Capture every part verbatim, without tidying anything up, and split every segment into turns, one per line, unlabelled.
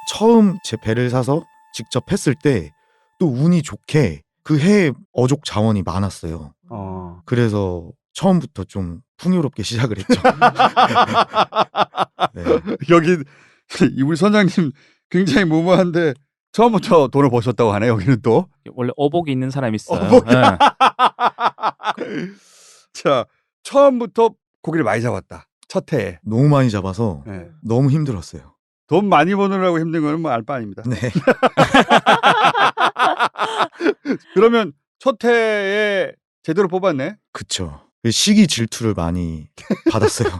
처음 제 배를 사서 직접 했을 때 또 운이 좋게 그 해에 어족 자원이 많았어요.
어.
그래서 처음부터 좀 풍요롭게 시작을 했죠. 네.
여기 우리 선장님 굉장히 무모한데 처음부터 돈을 버셨다고 하네. 여기는 또.
원래 어복이 있는 사람이 있어요.
어복이-
예.
자, 처음부터 고기를 많이 잡았다. 첫 해에.
너무 많이 잡아서
네.
너무 힘들었어요.
돈 많이 버느라고 힘든 거는 뭐 알 바 아닙니다.
네.
그러면 첫 해에 제대로 뽑았네.
그쵸. 시기 질투를 많이 받았어요.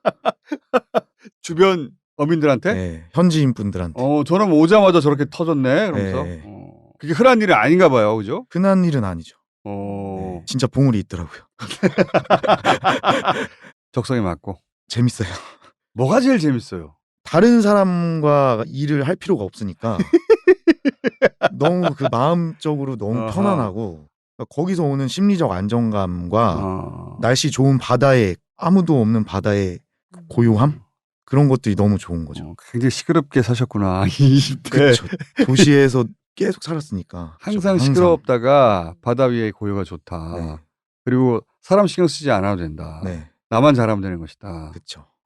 주변 어민들한테.
네. 현지인 분들한테.
어, 저는 오자마자 저렇게 터졌네. 그러면서.
네.
어, 그게 흔한 일은 아닌가 봐요. 그죠?
흔한 일은 아니죠.
어,
네. 진짜 보물이 있더라고요.
적성에 맞고.
재밌어요.
뭐가 제일 재밌어요?
다른 사람과 일을 할 필요가 없으니까 너무 그 마음적으로 너무
아하.
편안하고 거기서 오는 심리적 안정감과
어.
날씨 좋은 바다에 아무도 없는 바다의 고요함 그런 것들이 너무 좋은 거죠.
어, 굉장히 시끄럽게 사셨구나. 이십 대.
그렇죠. 도시에서 계속 살았으니까
항상
좀
시끄럽다가 바다 위에 고요가 좋다.
네.
그리고 사람 신경 쓰지 않아도 된다.
네,
나만 잘하면 되는 것이다.
그렇죠.